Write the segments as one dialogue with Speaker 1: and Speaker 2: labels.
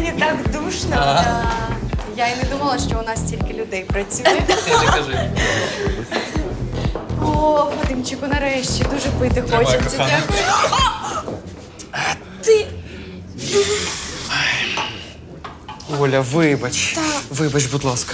Speaker 1: кухні так душно. Я й не думала, що у нас стільки людей працює.
Speaker 2: Не кажи.
Speaker 1: О, Вадимчику, нарешті, дуже пити хочеться. Дякую. Ти...
Speaker 2: Оля, вибач. Вибач, будь ласка.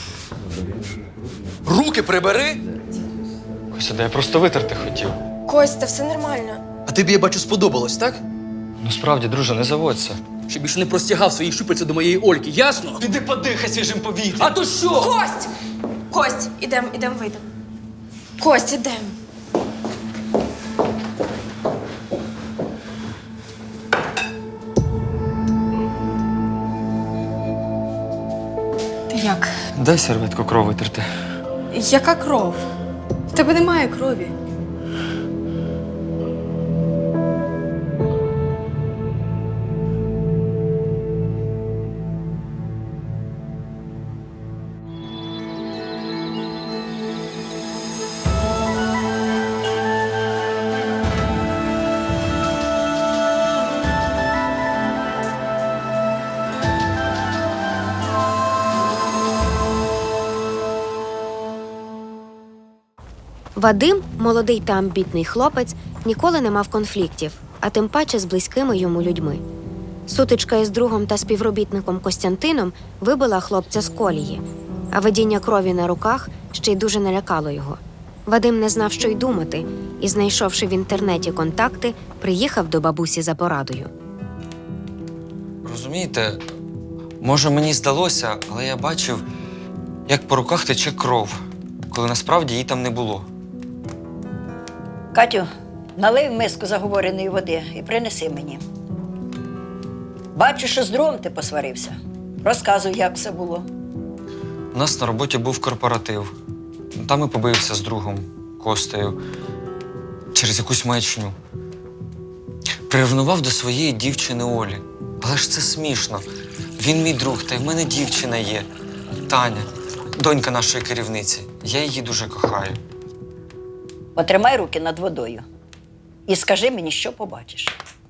Speaker 3: Руки прибери!
Speaker 2: Ось, я просто витерти хотів.
Speaker 4: Костя, все нормально.
Speaker 3: А тобі, я бачу, сподобалось, так?
Speaker 2: Ну справді, друже, не заводься.
Speaker 5: Щоб більше не простягав свої щупальця до моєї Ольки, ясно?
Speaker 2: Піди подихай свіжим повітрям.
Speaker 5: А то що?
Speaker 4: Кость! Кость, ідем, вийдем. Кость, ідем.
Speaker 1: Ти як?
Speaker 2: Дай серветку кров витерти.
Speaker 1: Яка кров? В тебе немає крові.
Speaker 6: Вадим, молодий та амбітний хлопець, ніколи не мав конфліктів, а тим паче з близькими йому людьми. Сутичка із другом та співробітником Костянтином вибила хлопця з колії, а видіння крові на руках ще й дуже налякало його. Вадим не знав, що й думати, і, знайшовши в інтернеті контакти, приїхав до бабусі за порадою.
Speaker 2: Розумієте, може мені здалося, але я бачив, як по руках тече кров, коли насправді її там не було.
Speaker 7: Катю, налий в миску заговореної води і принеси мені. Бачу, що з другом ти посварився. Розказуй, як все було.
Speaker 2: У нас на роботі був корпоратив. Там і побився з другом, Костею, через якусь маячню. Приревнував до своєї дівчини Олі. Але ж це смішно. Він мій друг, та й в мене дівчина є. Таня, донька нашої керівниці. Я її дуже кохаю.
Speaker 7: Потримай руки над водою і скажи мені, що побачиш.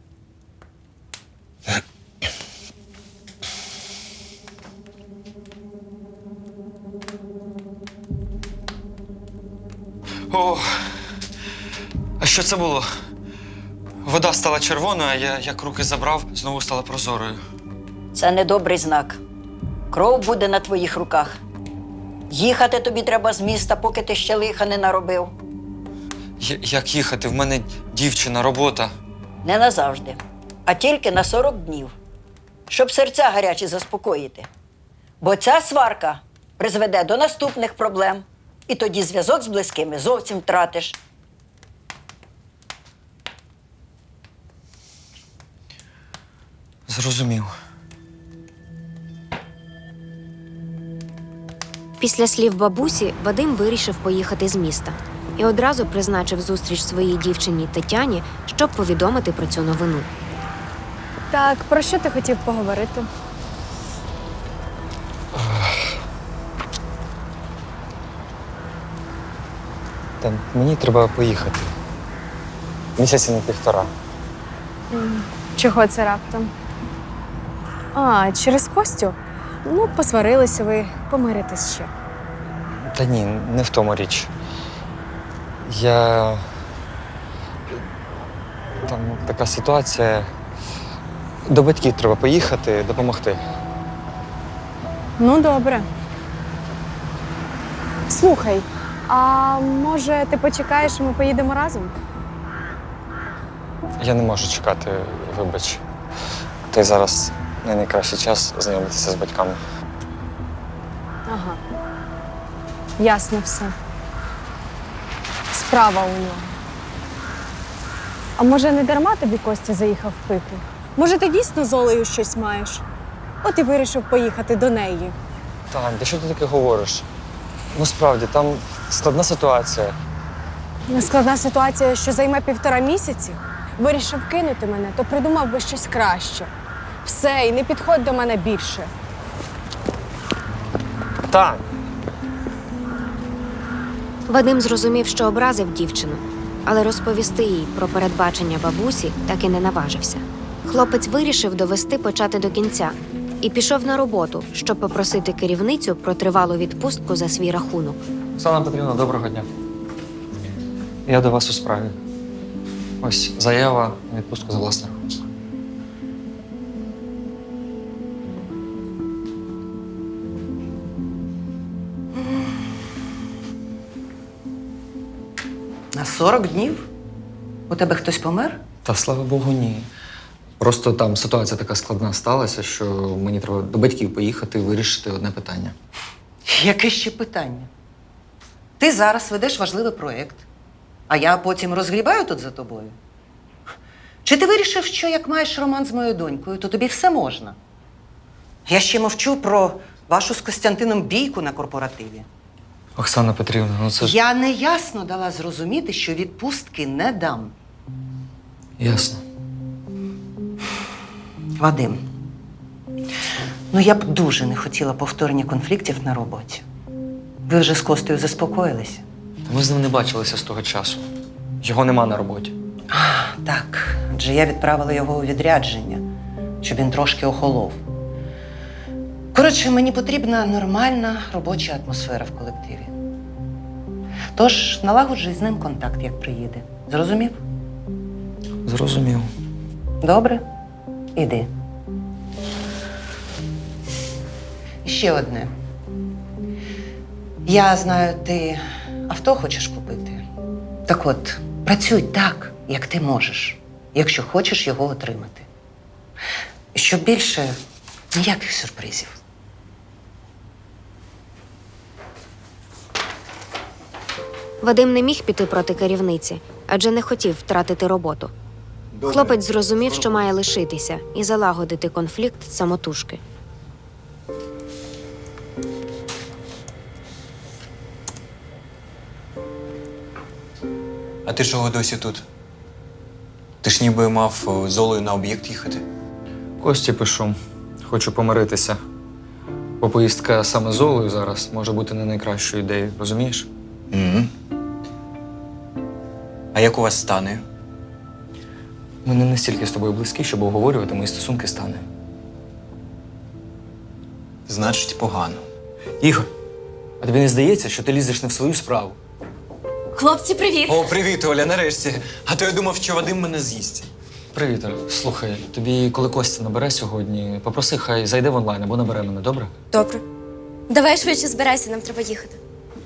Speaker 2: О, а що це було? Вода стала червоною, а я, як руки забрав, знову стала прозорою.
Speaker 7: Це недобрий знак. Кров буде на твоїх руках. Їхати тобі треба з міста, поки ти ще лиха не наробив.
Speaker 2: Як їхати? В мене дівчина, робота.
Speaker 7: Не назавжди, а тільки на 40 днів, щоб серця гарячі заспокоїти. Бо ця сварка призведе до наступних проблем, і тоді зв'язок з близькими зовсім втратиш.
Speaker 2: Зрозумів.
Speaker 6: Після слів бабусі Вадим вирішив поїхати з міста і одразу призначив зустріч своїй дівчині Тетяні, щоб повідомити про цю новину.
Speaker 1: Так, про що ти хотів поговорити?
Speaker 2: Та мені треба поїхати. Місяці на 1,5.
Speaker 1: Чого це раптом? А, через Костю? Ну, посварилися ви, помиритесь ще.
Speaker 2: Та ні, не в тому річ. Там така ситуація. До батьків треба поїхати, допомогти.
Speaker 1: Ну, добре. Слухай, а може ти почекаєш, і ми поїдемо разом?
Speaker 2: Я не можу чекати, вибач. Та й зараз не найкращий час знайомитися з батьками.
Speaker 1: Ага. Ясно все. Справа у нього. А може, не дарма тобі Костя заїхав пити? Може, ти дійсно з Олею щось маєш? От і вирішив поїхати до неї.
Speaker 2: Тань, ти що ти таке говориш? Ну, справді, там складна ситуація.
Speaker 1: Складна ситуація, що займе 1,5 місяці. Вирішив кинути мене, то придумав би щось краще. Все, і не підходь до мене більше.
Speaker 2: Тань!
Speaker 6: Вадим зрозумів, що образив дівчину, але розповісти їй про передбачення бабусі так і не наважився. Хлопець вирішив довести почати до кінця і пішов на роботу, щоб попросити керівницю про тривалу відпустку за свій рахунок.
Speaker 2: Оксана Петрівна, доброго дня. Я до вас у справі. Ось заява на відпустку за власний рахунок.
Speaker 7: На 40 днів? У тебе хтось помер?
Speaker 2: Та слава Богу, ні. Просто там ситуація така складна сталася, що мені треба до батьків поїхати і вирішити одне питання.
Speaker 8: Яке ще питання? Ти зараз ведеш важливий проєкт, а я потім розгрібаю тут за тобою. Чи ти вирішив, що як маєш роман з моєю донькою, то тобі все можна? Я ще мовчу про вашу з Костянтином бійку на корпоративі.
Speaker 2: Оксана Петрівна, ну це ж
Speaker 8: Я неясно дала зрозуміти, що відпустки не дам.
Speaker 2: ясно.
Speaker 8: Вадим, ну я б дуже не хотіла повторення конфліктів на роботі. Ви вже з Костею заспокоїлися?
Speaker 2: Ми з ним не бачилися з того часу. Його нема на роботі.
Speaker 8: Так, адже я відправила його у відрядження, щоб він трошки охолов. Коротше, мені потрібна нормальна робоча атмосфера в колективі. Тож налагоджуй з ним контакт, як приїде. Зрозумів?
Speaker 2: Зрозумів.
Speaker 8: Добре? Іди. І ще одне. Я знаю, ти авто хочеш купити. Так от, працюй так, як ти можеш, якщо хочеш його отримати. І щоб більше ніяких сюрпризів.
Speaker 6: Вадим не міг піти проти керівниці, адже не хотів втратити роботу. Хлопець зрозумів, що має лишитися і залагодити конфлікт самотужки.
Speaker 9: А ти чого досі тут? Ти ж ніби мав з Олею на об'єкт їхати.
Speaker 2: Кості пишу. Хочу помиритися. Бо поїздка саме з Олею зараз може бути не найкращою ідеєю, розумієш?
Speaker 9: Угу. А як у вас стане?
Speaker 2: Ми не настільки з тобою близькі, щоб обговорювати мої стосунки з Танею.
Speaker 9: Значить, погано.
Speaker 2: Ігор, а тобі не здається, що ти лізеш не в свою справу?
Speaker 4: Хлопці, привіт!
Speaker 9: О, привіт, Оля, нарешті. А то я думав, що Вадим мене з'їсть.
Speaker 2: Привіт, Оль. Слухай, тобі, коли Костя набере сьогодні, попроси, хай зайде в онлайн або набере мене, добре?
Speaker 4: Добре. Давай швидше збирайся, нам треба їхати.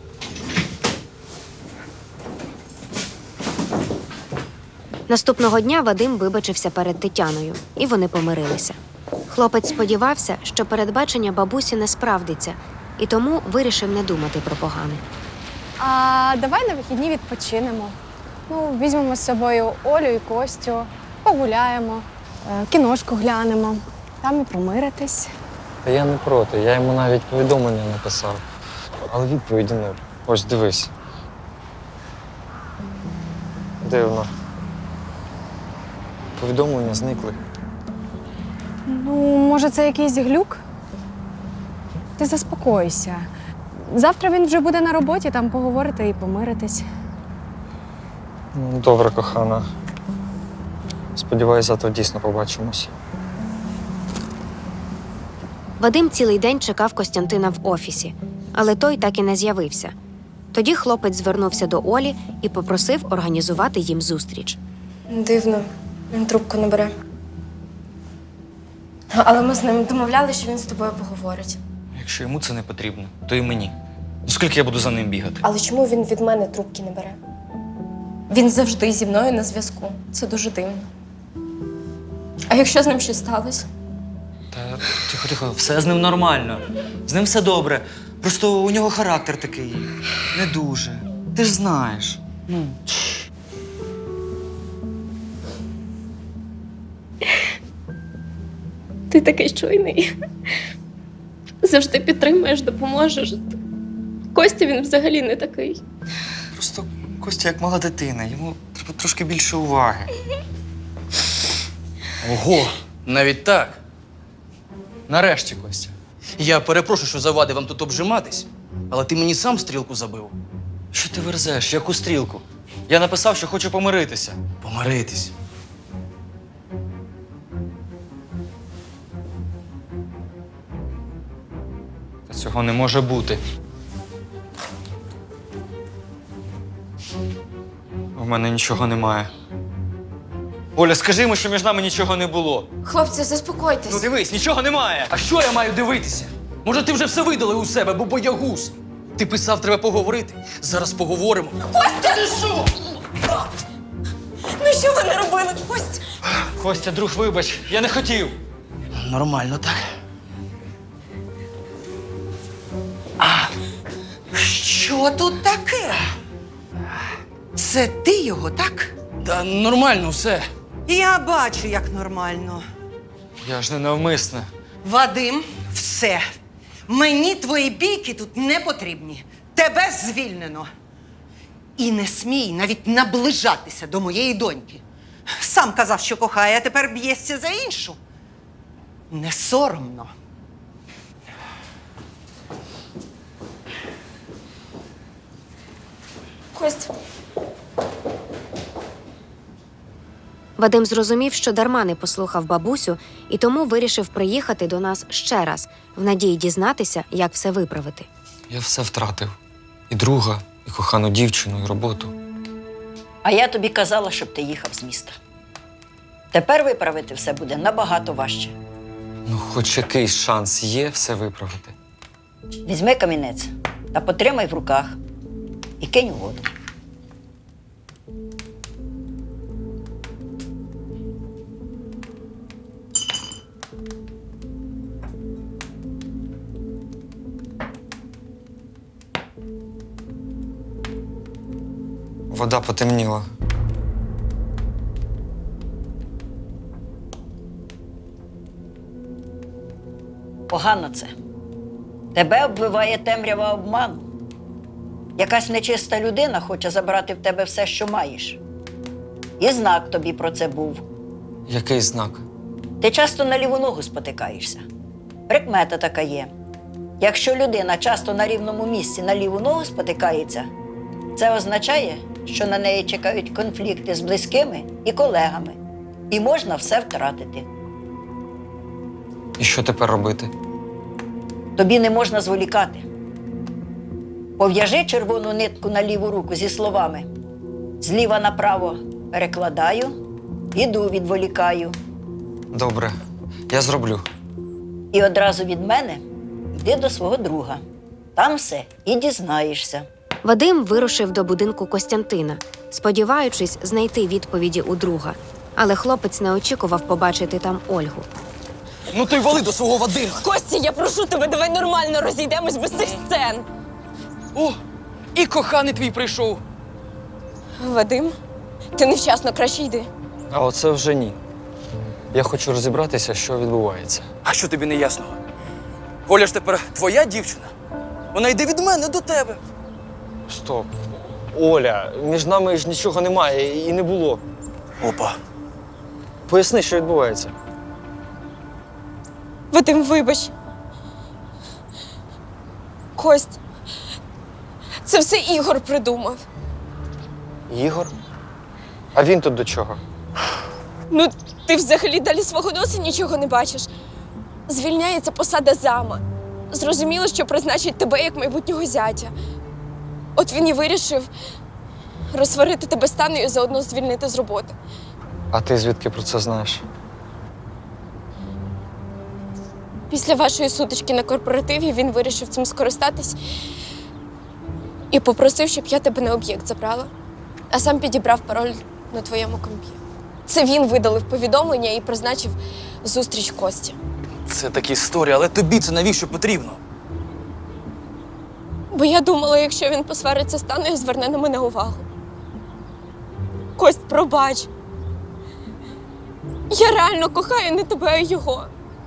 Speaker 6: Наступного дня Вадим вибачився перед Тетяною, і вони помирилися. Хлопець сподівався, що передбачення бабусі не справдиться, і тому вирішив не думати про погане.
Speaker 1: А давай на вихідні відпочинемо. Ну, візьмемо з собою Олю і Костю, погуляємо, кіношку глянемо, там і помиритись.
Speaker 2: Та я не проти, я йому навіть повідомлення написав. Але відповіді нуль. Ось дивись. Дивно. Повідомлення зникли.
Speaker 1: Ну, може, це якийсь глюк? Ти заспокойся. Завтра він вже буде на роботі, там поговорити і помиритись.
Speaker 2: Ну, добре, кохана. Сподіваюсь, завтра дійсно побачимось.
Speaker 6: Вадим цілий день чекав Костянтина в офісі, але той так і не з'явився. Тоді хлопець звернувся до Олі і попросив організувати їм зустріч.
Speaker 4: Дивно, він трубку не бере. Але ми з ним домовляли, що він з тобою поговорить.
Speaker 2: Якщо йому це не потрібно, то і мені. Ну, скільки я буду за ним бігати?
Speaker 4: Але чому він від мене трубки не бере? Він завжди зі мною на зв'язку. Це дуже дивно. А якщо з ним щось сталося?
Speaker 2: Та тихо, все з ним нормально. З ним все добре. Просто у нього характер такий. Не дуже. Ти ж знаєш. Ну.
Speaker 4: Ти такий чуйний. Завжди підтримуєш, допоможеш. Костя, він взагалі не такий.
Speaker 2: Просто Костя як мала дитина, йому треба трошки більше уваги.
Speaker 5: Ого, навіть так.
Speaker 2: Нарешті, Костя.
Speaker 5: Я перепрошую, що завадив вам тут обжиматись, але ти мені сам стрілку забив.
Speaker 2: Що ти верзеш? Яку стрілку? Я написав, що хочу помиритися.
Speaker 5: Помиритись.
Speaker 2: Цього не може бути. У мене нічого немає. Оля, скажи йому, що між нами нічого не було.
Speaker 4: Хлопці, заспокойтесь.
Speaker 2: Ну дивись, нічого немає.
Speaker 5: А що я маю дивитися? Може, ти вже все видалив у себе, бо боягуз? Ти писав, треба поговорити. Зараз поговоримо.
Speaker 4: Костя! Ти що? Ну що ви не робили, Костя?
Speaker 2: Костя, друг, вибач, я не хотів.
Speaker 5: Нормально, так?
Speaker 8: Що тут таке? Це ти його, так?
Speaker 5: Та нормально все.
Speaker 8: Я бачу, як нормально.
Speaker 2: Я ж не навмисне.
Speaker 8: Вадим, все. Мені твої бійки тут не потрібні. Тебе звільнено. І не смій навіть наближатися до моєї доньки. Сам казав, що кохає, а тепер б'єшся за іншу. Не соромно.
Speaker 4: Костя.
Speaker 6: Вадим зрозумів, що дарма не послухав бабусю, і тому вирішив приїхати до нас ще раз, в надії дізнатися, як все виправити.
Speaker 2: Я все втратив. І друга, і кохану дівчину, і роботу.
Speaker 7: А я тобі казала, щоб ти їхав з міста. Тепер виправити все буде набагато важче.
Speaker 2: Ну, хоч якийсь шанс є все виправити.
Speaker 7: Візьми камінець та потримай в руках і кинь у воду.
Speaker 2: Вода потемніла.
Speaker 7: Погано це. Тебе обвиває темрява обману. Якась нечиста людина хоче забрати в тебе все, що маєш. І знак тобі про це був.
Speaker 2: Який знак?
Speaker 7: Ти часто на ліву ногу спотикаєшся. Прикмета така є. Якщо людина часто на рівному місці на ліву ногу спотикається, це означає, що на неї чекають конфлікти з близькими і колегами. І можна все втратити.
Speaker 2: І що тепер робити?
Speaker 7: Тобі не можна зволікати. Пов'яжи червону нитку на ліву руку зі словами «Зліва направо перекладаю, іду відволікаю».
Speaker 2: Добре, я зроблю.
Speaker 7: І одразу від мене йди до свого друга. Там все і дізнаєшся.
Speaker 6: Вадим вирушив до будинку Костянтина, сподіваючись знайти відповіді у друга. Але хлопець не очікував побачити там Ольгу.
Speaker 5: Ну то й вали до свого Вадима.
Speaker 4: Костя, я прошу тебе, давай нормально розійдемось без цих сцен.
Speaker 5: О, і коханий твій прийшов.
Speaker 4: Вадим, ти невчасно, краще йди.
Speaker 2: А оце вже ні. Я хочу розібратися, що відбувається.
Speaker 5: А що тобі не ясно? Оля ж тепер твоя дівчина. Вона йде від мене до тебе.
Speaker 2: Стоп. Оля, між нами ж нічого немає і не було.
Speaker 5: Опа.
Speaker 2: Поясни, що відбувається.
Speaker 4: Вадим, вибач. Кость, це все Ігор придумав.
Speaker 2: Ігор? А він тут до чого?
Speaker 4: Ну, ти взагалі далі свого носа нічого не бачиш. Звільняється посада зама. Зрозуміло, що призначить тебе як майбутнього зятя. От він і вирішив розсварити тебе з Танею і заодно звільнити з роботи.
Speaker 2: А ти звідки про це знаєш?
Speaker 4: Після вашої сутички на корпоративі він вирішив цим скористатись і попросив, щоб я тебе на об'єкт забрала, а сам підібрав пароль на твоєму компі. Це він видалив повідомлення і призначив зустріч Кості.
Speaker 5: Це такі історії, але тобі це навіщо потрібно?
Speaker 4: Бо я думала, якщо він посвариться з Танею, зверне на мене увагу. Кость, пробач. Я реально кохаю не тебе, а його.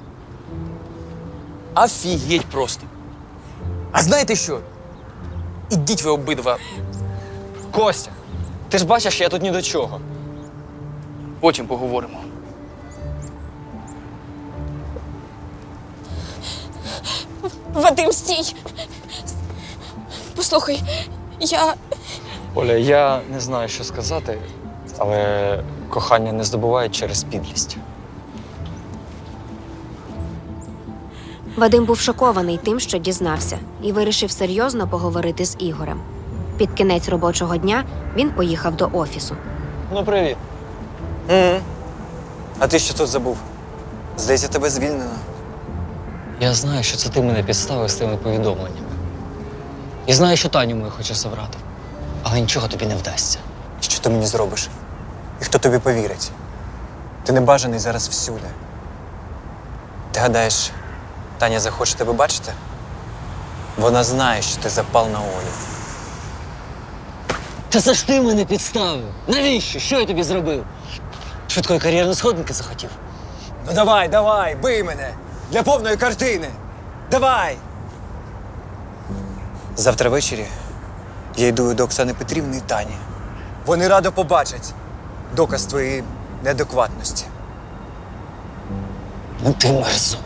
Speaker 5: Офігеть просто. А знаєте що? Ідіть ви обидва.
Speaker 2: Костя, ти ж бачиш, я тут ні до чого.
Speaker 5: Потім поговоримо.
Speaker 4: Вадим, стій! Послухай,
Speaker 2: Оля, я не знаю, що сказати, але кохання не здобувають через підлість.
Speaker 6: Вадим був шокований тим, що дізнався, і вирішив серйозно поговорити з Ігорем. Під кінець робочого дня він поїхав до офісу.
Speaker 9: Ну, привіт. А ти що тут забув? Здається, тебе звільнено.
Speaker 2: Я знаю, що це ти мене підставив з тими повідомленнями. І знаю, що Таню мою хочеш забрати. Але нічого тобі не вдасться.
Speaker 9: Що ти мені зробиш? І хто тобі повірить? Ти небажаний зараз всюди. Ти гадаєш, Таня захоче тебе бачити? Вона знає, що ти запал на Олю.
Speaker 2: Та це ж ти мене підставив! Навіщо? Що я тобі зробив? Швидкої кар'єрної сходинки захотів?
Speaker 9: Ну давай, бий мене! Для повної картини! Давай! Завтра ввечері я йду до Оксани Петрівни і Тані. Вони радо побачать доказ твоєї неадекватності.
Speaker 2: Ну ти мерзота.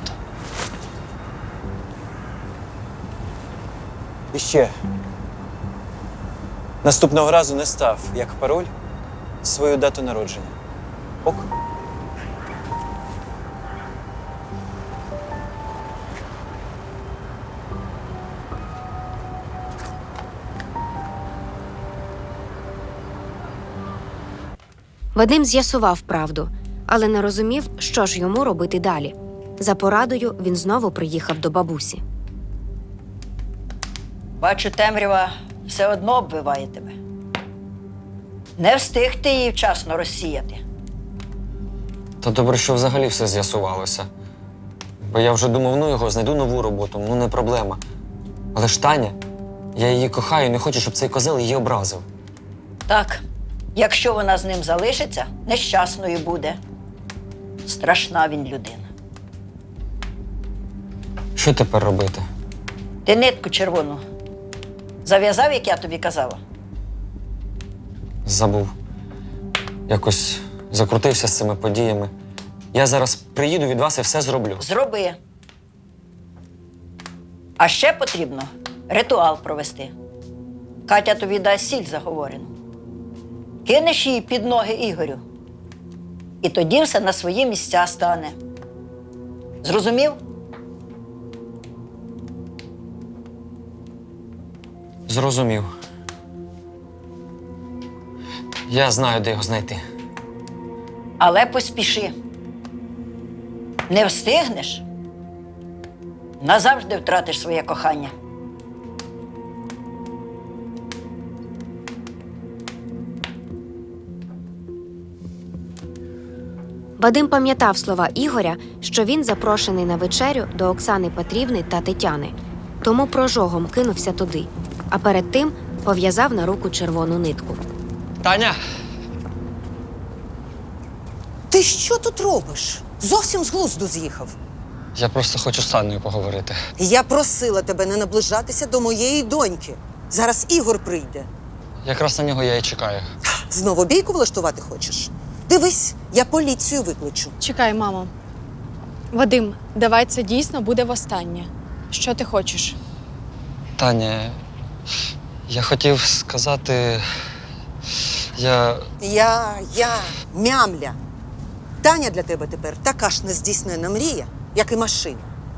Speaker 9: І ще. Наступного разу не став, як пароль, свою дату народження. Ок?
Speaker 6: Вадим з'ясував правду, але не розумів, що ж йому робити далі. За порадою він знову приїхав до бабусі.
Speaker 7: Бачу, темрява все одно оббиває тебе. Не встиг ти її вчасно розсіяти.
Speaker 2: Та добре, що взагалі все з'ясувалося. Бо я вже думав, ну його, знайду нову роботу, ну не проблема. Але ж Таня, я її кохаю і не хочу, щоб цей козел її образив.
Speaker 7: Так, якщо вона з ним залишиться, нещасною буде. Страшна він людина.
Speaker 2: Що тепер робити?
Speaker 7: Ти нитку червону зав'язав, як я тобі казала?
Speaker 2: Забув. Якось закрутився з цими подіями. Я зараз приїду від вас і все зроблю.
Speaker 7: Зроби. А ще потрібно ритуал провести. Катя тобі дасть сіль заговорену. Кинеш її під ноги Ігорю. І тоді все на свої місця стане. Зрозумів?
Speaker 2: Зрозумів. Я знаю, де його знайти.
Speaker 7: Але поспіши. Не встигнеш, назавжди втратиш своє кохання.
Speaker 6: Вадим пам'ятав слова Ігоря, що він запрошений на вечерю до Оксани Петрівни та Тетяни, тому прожогом кинувся туди, а перед тим пов'язав на руку червону нитку.
Speaker 2: Таня!
Speaker 10: Ти що тут робиш? Зовсім з глузду з'їхав.
Speaker 2: Я просто хочу з Танею поговорити.
Speaker 10: Я просила тебе не наближатися до моєї доньки. Зараз Ігор прийде.
Speaker 2: Якраз на нього я і чекаю.
Speaker 10: Знову бійку влаштувати хочеш? Дивись, я поліцію викличу.
Speaker 1: Чекай, мамо. Вадим, давай це дійсно буде востаннє. Що ти хочеш?
Speaker 2: Таня, я хотів сказати.
Speaker 10: Я, мямля. Таня для тебе тепер така ж нездійснена мрія, як і машина.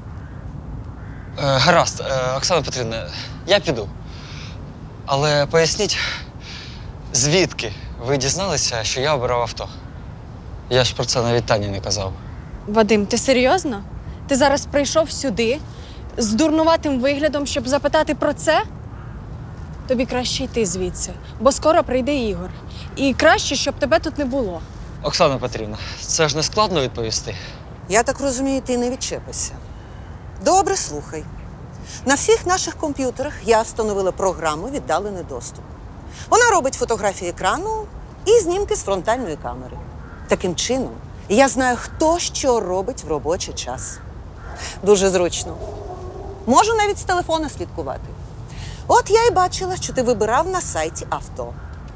Speaker 2: Гаразд, Оксана Петрівна, я піду. Але поясніть, звідки ви дізналися, що я обирав авто? Я ж про це навіть Тані не казав.
Speaker 1: Вадим, ти серйозно? Ти зараз прийшов сюди з дурнуватим виглядом, щоб запитати про це? Тобі краще йти звідси, бо скоро прийде Ігор. І краще, щоб тебе тут не було.
Speaker 2: Оксана Петрівна, це ж не складно відповісти.
Speaker 10: Я так розумію, ти не відчепишся. Добре, слухай. На всіх наших комп'ютерах я встановила програму «Віддалений доступ». Вона робить фотографії екрану і знімки з фронтальної камери. Таким чином, я знаю, хто що робить в робочий час. Дуже зручно. Можу навіть з телефона слідкувати. От я і бачила, що ти вибирав на сайті авто.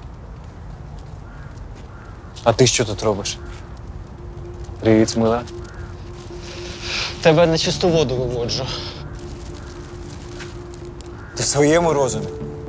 Speaker 9: А ти що тут робиш? Привіт, мила.
Speaker 2: Тебе на чисту воду виводжу.
Speaker 9: Ти в своєму розумі?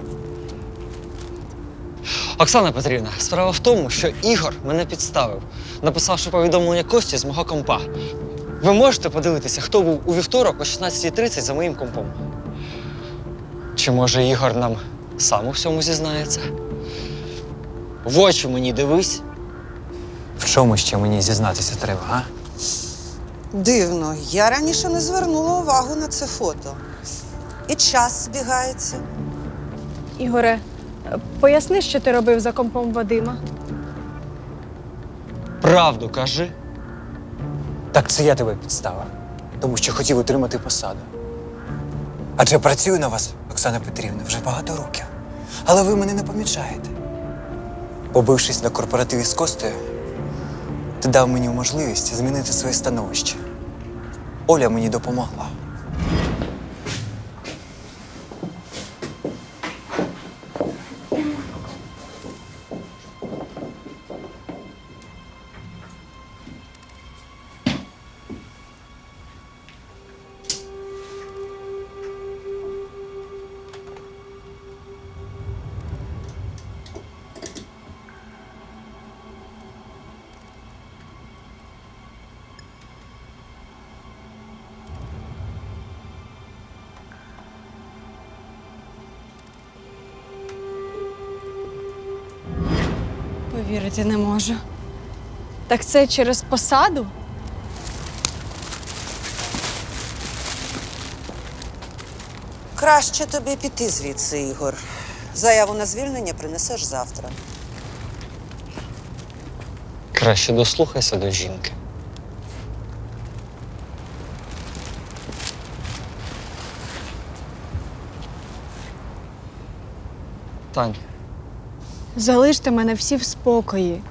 Speaker 2: Оксана Петрівна, справа в тому, що Ігор мене підставив, написавши повідомлення Кості з мого компа. Ви можете подивитися, хто був у вівторок о 16:30 за моїм компом? Чи може Ігор нам сам у всьому зізнається? В очі мені дивись.
Speaker 9: В чому ще мені зізнатися треба, а?
Speaker 10: Дивно, я раніше не звернула увагу на це фото. І час збігається.
Speaker 1: Ігоре, поясни, що ти робив за компом Вадима.
Speaker 2: Правду кажи.
Speaker 9: Так це я тебе підставив, тому що хотів отримати посаду. Адже працюю на вас, Оксана Петрівна, вже багато років. Але ви мене не помічаєте. Побившись на корпоративі з Костею, ти дав мені можливість змінити своє становище. Оля мені допомогла.
Speaker 1: Повірити не можу. Так це через посаду?
Speaker 10: Краще тобі піти звідси, Ігор. Заяву на звільнення принесеш завтра.
Speaker 2: Краще дослухайся до жінки. Тань,
Speaker 1: Залиште мене всі в спокої.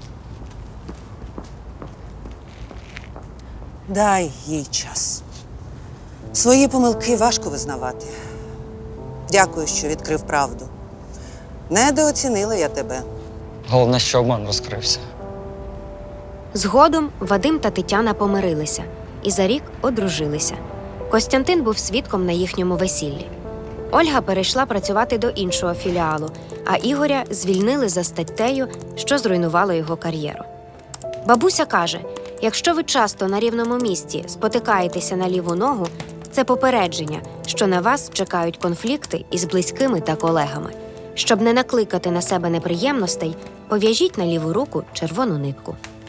Speaker 10: Дай їй час. Свої помилки важко визнавати. Дякую, що відкрив правду. Недооцінила я тебе.
Speaker 2: головне, що обман розкрився.
Speaker 6: Згодом Вадим та Тетяна помирилися і за рік одружилися. Костянтин був свідком на їхньому весіллі. Ольга перейшла працювати до іншого філіалу, а Ігоря звільнили за статтею, що зруйнувало його кар'єру. Бабуся каже, якщо ви часто на рівному місці спотикаєтеся на ліву ногу, це попередження, що на вас чекають конфлікти із близькими та колегами. Щоб не накликати на себе неприємностей, пов'яжіть на ліву руку червону нитку.